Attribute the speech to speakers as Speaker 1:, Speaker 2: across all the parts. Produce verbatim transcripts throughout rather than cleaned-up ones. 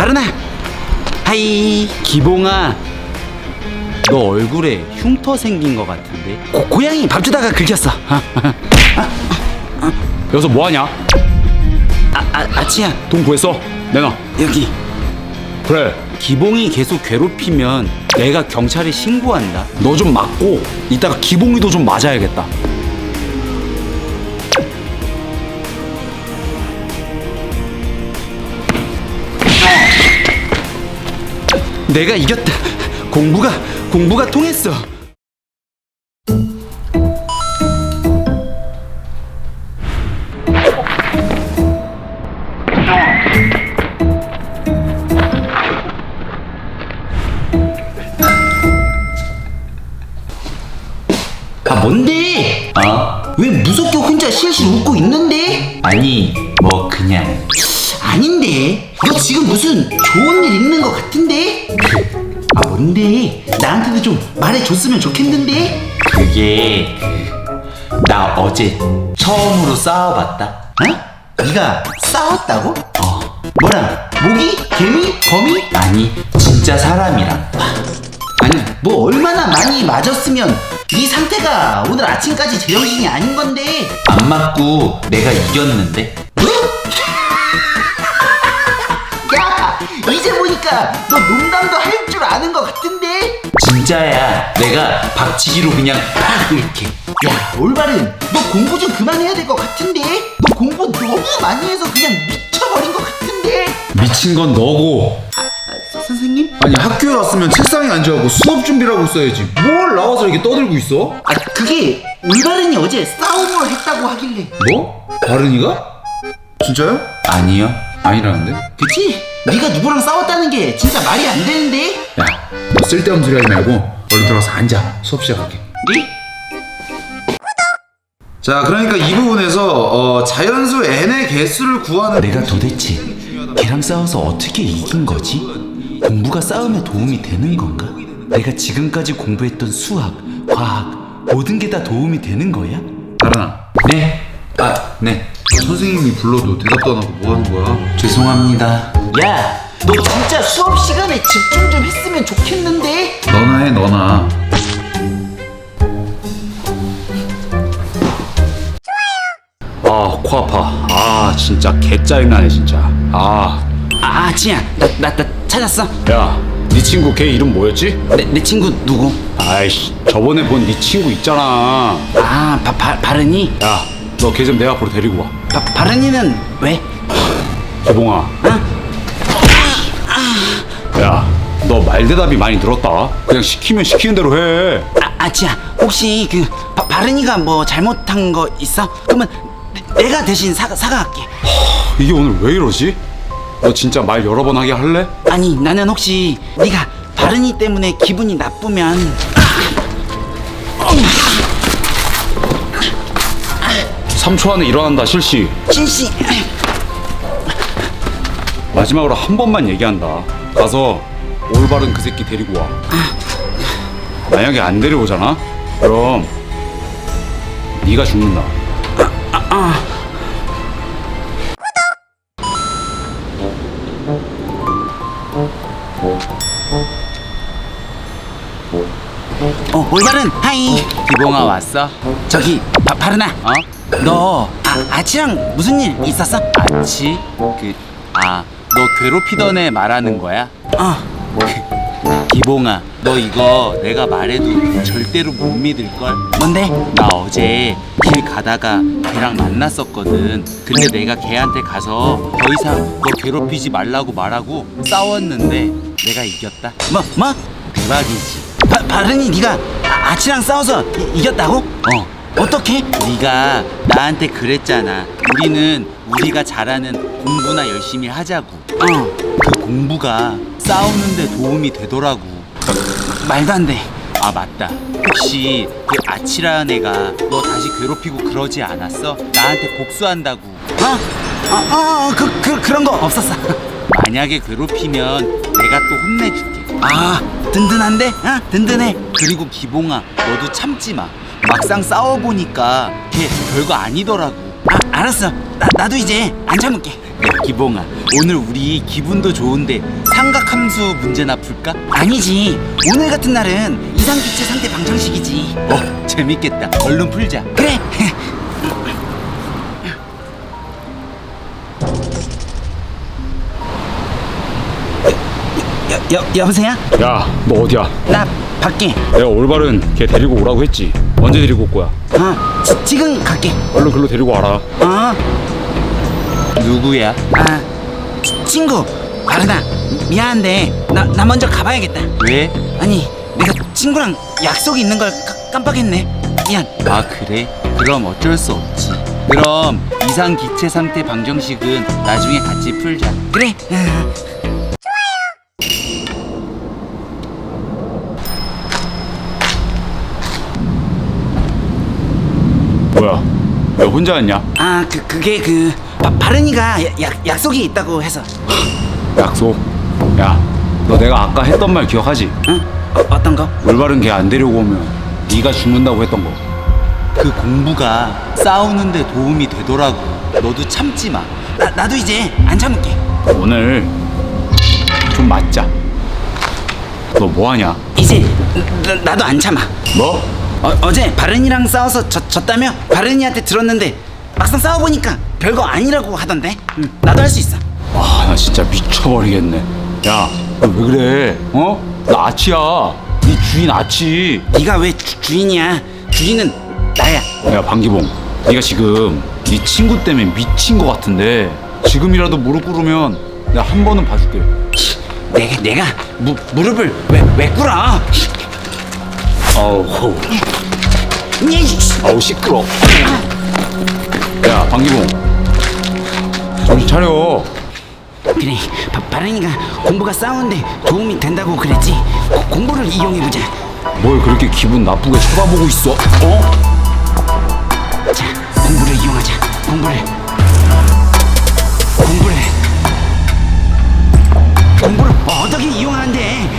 Speaker 1: 바르나. 하이. 기봉아, 너 얼굴에 흉터 생긴 거 같은데. 고, 고양이 밥 주다가 긁혔어.
Speaker 2: 여기서 뭐하냐?
Speaker 1: 아, 아, 아치야.
Speaker 2: 돈 구했어? 내놔.
Speaker 1: 여기.
Speaker 2: 그래,
Speaker 1: 기봉이 계속 괴롭히면 내가 경찰에 신고한다.
Speaker 2: 너 좀 맞고 이따가 기봉이도 좀 맞아야겠다.
Speaker 1: 내가 이겼다. 공부가 공부가 통했어. 아, 뭔데?
Speaker 3: 어?
Speaker 1: 왜 무섭게 혼자 실실 웃고 있는데?
Speaker 3: 아니 뭐 그냥
Speaker 1: 아닌데. 너 지금 무슨 좋은 일 있는 것 같은데? 아, 뭔데? 나한테도 좀 말해줬으면 좋겠는데?
Speaker 3: 그게 그, 나 어제 처음으로 싸워봤다.
Speaker 1: 어? 네가 싸웠다고? 어. 뭐랑? 모기? 개미? 거미?
Speaker 3: 아니 진짜 사람이랑.
Speaker 1: 아니, 뭐 얼마나 많이 맞았으면 네 상태가 오늘 아침까지 제정신이 아닌 건데.
Speaker 3: 안 맞고 내가 이겼는데.
Speaker 1: 야, 이제 보니까 너 농담도 할 줄 아는 것 같은데?
Speaker 3: 진짜야. 내가 박치기로 그냥 팍 이렇게.
Speaker 1: 야, 올바른, 너 공부 좀 그만해야 될 것 같은데? 너 공부 너무 많이 해서 그냥 미쳐버린 것 같은데?
Speaker 2: 미친 건 너고.
Speaker 1: 아, 서- 선생님?
Speaker 2: 아니 학교에 왔으면 책상에 앉아갖고 수업 준비라고 써야지. 뭘 나와서 이렇게 떠들고 있어?
Speaker 1: 아, 그게 올바른이 어제 싸움을 했다고 하길래.
Speaker 2: 뭐? 바른이가? 진짜요?
Speaker 3: 아니요.
Speaker 2: 아니라는데?
Speaker 1: 그치? 네가 누구랑 싸웠다는 게 진짜 말이 안 되는데?
Speaker 2: 야, 너 쓸데없는 소리 하지 말고 얼른 들어가서 앉아. 수업 시작할게.
Speaker 1: 네?
Speaker 2: 자, 그러니까 이 부분에서 어, 자연수 n의 개수를 구하는.
Speaker 1: 내가 도대체 걔랑 싸워서 어떻게 이긴 거지? 공부가 싸움에 도움이 되는 건가? 내가 지금까지 공부했던 수학, 과학 모든 게 다 도움이 되는 거야?
Speaker 2: 바른아.
Speaker 3: 네. 아 네.
Speaker 2: 선생님이 불러도 대답도 안 하고 뭐 하는 거야?
Speaker 3: 죄송합니다.
Speaker 1: 야, 너 진짜 수업 시간에 집중 좀 했으면 좋겠는데?
Speaker 2: 너나 해, 너나. 아, 코 아파. 아, 진짜 개 짜증나네, 진짜. 아,
Speaker 1: 아, 지야, 나, 나, 나 찾았어.
Speaker 2: 야, 네 친구 걔 이름 뭐였지?
Speaker 1: 내, 내 친구 누구?
Speaker 2: 아이씨, 저번에 본 네 친구 있잖아.
Speaker 1: 아, 바, 바, 바른이?
Speaker 2: 야, 너 걔 좀 내 앞으로 데리고 와.
Speaker 1: 바, 바른이는 왜?
Speaker 2: 개봉아.
Speaker 1: 어?
Speaker 2: 야, 너 말대답이 많이 늘었다. 그냥 시키면 시키는 대로 해.
Speaker 1: 아, 아, 지야, 혹시 그 바, 바른이가 뭐 잘못한 거 있어? 그러면 내, 내가 대신 사과, 사과할게.
Speaker 2: 이게 오늘 왜 이러지? 너 진짜 말 여러 번 하게 할래?
Speaker 1: 아니, 나는 혹시 네가 바른이 때문에 기분이 나쁘면
Speaker 2: 삼 초 안에 일어난다, 실시.
Speaker 1: 진씨.
Speaker 2: 마지막으로 한 번만 얘기한다. 가서 올바른 그 새끼 데리고 와. 만약에 안 데려오잖아? 그럼 네가 죽는다.
Speaker 1: 어, 올바른 하이.
Speaker 3: 기봉아 왔어?
Speaker 1: 저기 바, 바른아.
Speaker 3: 어?
Speaker 1: 너 아, 아치랑 무슨 일 있었어?
Speaker 3: 아치? 그, 아, 너 괴롭히던 애 말하는 거야?
Speaker 1: 어.
Speaker 3: 기봉아, 너 이거 내가 말해도 절대로 못 믿을걸?
Speaker 1: 뭔데?
Speaker 3: 나 어제 길 가다가 걔랑 만났었거든. 근데 내가 걔한테 가서 더 이상 너 괴롭히지 말라고 말하고 싸웠는데 내가 이겼다.
Speaker 1: 뭐 뭐?
Speaker 3: 대박이지.
Speaker 1: 바, 바른이 네가 아, 아치랑 싸워서 이, 이겼다고?
Speaker 3: 어.
Speaker 1: 어떻게?
Speaker 3: 네가 나한테 그랬잖아. 우리는 우리가 잘하는 공부나 열심히 하자고.
Speaker 1: 어.
Speaker 3: 그 공부가 싸우는데 도움이 되더라고.
Speaker 1: 말도 안 돼.
Speaker 3: 아 맞다. 혹시 그 아치라는 애가 너 다시 괴롭히고 그러지 않았어? 나한테 복수한다고.
Speaker 1: 어? 어, 어, 어, 그, 그, 그런 거 없었어.
Speaker 3: 만약에 괴롭히면 내가 또 혼내줄게.
Speaker 1: 아, 든든한데? 어? 든든해.
Speaker 3: 그리고 기봉아, 너도 참지 마. 막상 싸워보니까 걔 별거 아니더라고.
Speaker 1: 아, 알았어. 나, 나도 이제 안 참을게.
Speaker 3: 야, 기봉아, 오늘 우리 기분도 좋은데 삼각함수 문제나 풀까?
Speaker 4: 아니지. 오늘 같은 날은 이상기체 상태 방정식이지.
Speaker 3: 어, 재밌겠다. 얼른 풀자.
Speaker 4: 그래. 여, 여, 여보세요?
Speaker 2: 야, 너 어디야?
Speaker 4: 나 밖에.
Speaker 2: 내가 올바른 걔 데리고 오라고 했지. 언제 데리고 올 거야?
Speaker 4: 어, 지, 지금 갈게.
Speaker 2: 얼른 글로 데리고 와라.
Speaker 4: 어,
Speaker 3: 누구야?
Speaker 4: 아, 치- 친구. 바르나, 미안한데 나, 나 먼저 가봐야겠다.
Speaker 3: 왜?
Speaker 4: 아니, 내가 친구랑 약속이 있는 걸 까, 깜빡했네. 미안.
Speaker 3: 아, 그래? 그럼 어쩔 수 없지. 그럼 이상 기체 상태 방정식은 나중에 같이 풀자.
Speaker 4: 그래.
Speaker 2: 뭐야? 왜 혼자 왔냐?
Speaker 4: 아, 그 그게 그 바, 바른이가 야- 약 약속이 있다고 해서.
Speaker 2: 약속. 야, 너 내가 아까 했던 말 기억하지?
Speaker 4: 응? 어, 어떤 거?
Speaker 2: 올바른 걔 안 데리고 오면 네가 죽는다고 했던 거.
Speaker 3: 그 공부가 싸우는데 도움이 되더라고. 너도 참지 마.
Speaker 4: 나 나도 이제 안 참을게.
Speaker 2: 오늘 좀 맞자. 너 뭐하냐?
Speaker 4: 이제 나, 나도 안 참아.
Speaker 2: 뭐?
Speaker 4: 어, 어제 바른이랑 싸워서 졌, 졌다며? 바른이한테 들었는데 막상 싸워보니까 별거 아니라고 하던데. 응, 나도 할 수 있어.
Speaker 2: 아, 나 진짜 미쳐버리겠네. 야, 너 왜 그래? 어? 나 아치야. 네 주인 아치.
Speaker 4: 네가 왜 주, 주인이야? 주인은 나야.
Speaker 2: 야, 방기봉, 네가 지금 네 친구 때문에 미친 거 같은데 지금이라도 무릎 꿇으면 내가 한 번은 봐줄게.
Speaker 4: 내가 내가 무, 무릎을 왜 왜 꿇어?
Speaker 2: 아우,
Speaker 4: 이, 씨.
Speaker 2: 아우 시끄러. 야, 방기봉, 정신 차려.
Speaker 4: 그래, 바, 바른이가 공부가 싸우는데 도움이 된다고 그랬지. 고, 공부를 이용해보자.
Speaker 2: 뭘 그렇게 기분 나쁘게 쳐다보고 있어? 어?
Speaker 4: 자, 공부를 이용하자. 공부를 공부를 공부를 어떻게 이용하는데?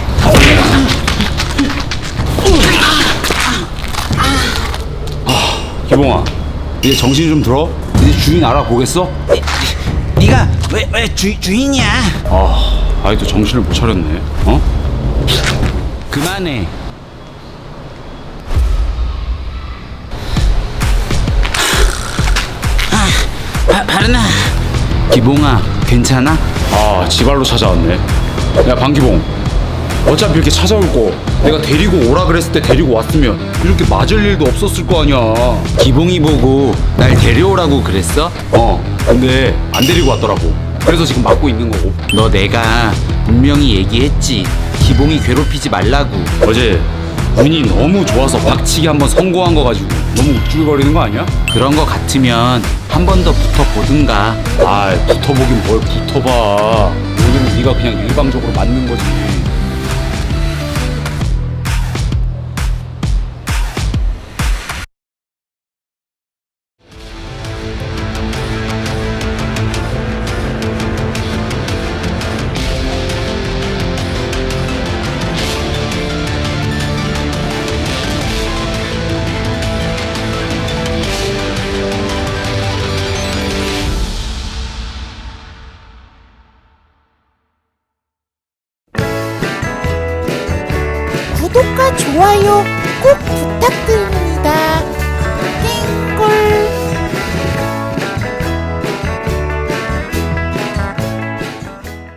Speaker 2: 기봉아, 이제 정신 좀 들어? 이제 주인 알아보겠어?
Speaker 4: 네가 왜 왜 주인이야?
Speaker 2: 아, 아이도 정신을 못 차렸네. 어?
Speaker 3: 그만해.
Speaker 4: 바, 바른아,
Speaker 3: 기봉아, 괜찮아?
Speaker 2: 아, 지발로 찾아왔네. 야, 방기봉, 어차피 이렇게 찾아올 거 내가 데리고 오라 그랬을 때 데리고 왔으면 이렇게 맞을 일도 없었을 거 아니야.
Speaker 3: 기봉이 보고 날 데려오라고 그랬어?
Speaker 2: 어, 근데 안 데리고 왔더라고. 그래서 지금 맞고 있는 거고.
Speaker 3: 너 내가 분명히 얘기했지. 기봉이 괴롭히지 말라고.
Speaker 2: 어제 운이 너무 좋아서 박치기 한번 성공한 거 가지고 너무 우쭐거리는 거 아니야?
Speaker 3: 그런 거 같으면 한 번 더 붙어보든가.
Speaker 2: 아, 붙어보긴 뭘 붙어봐. 오늘은 네가 그냥 일방적으로 맞는 거지.
Speaker 5: 구독과 좋아요 꼭 부탁드립니다.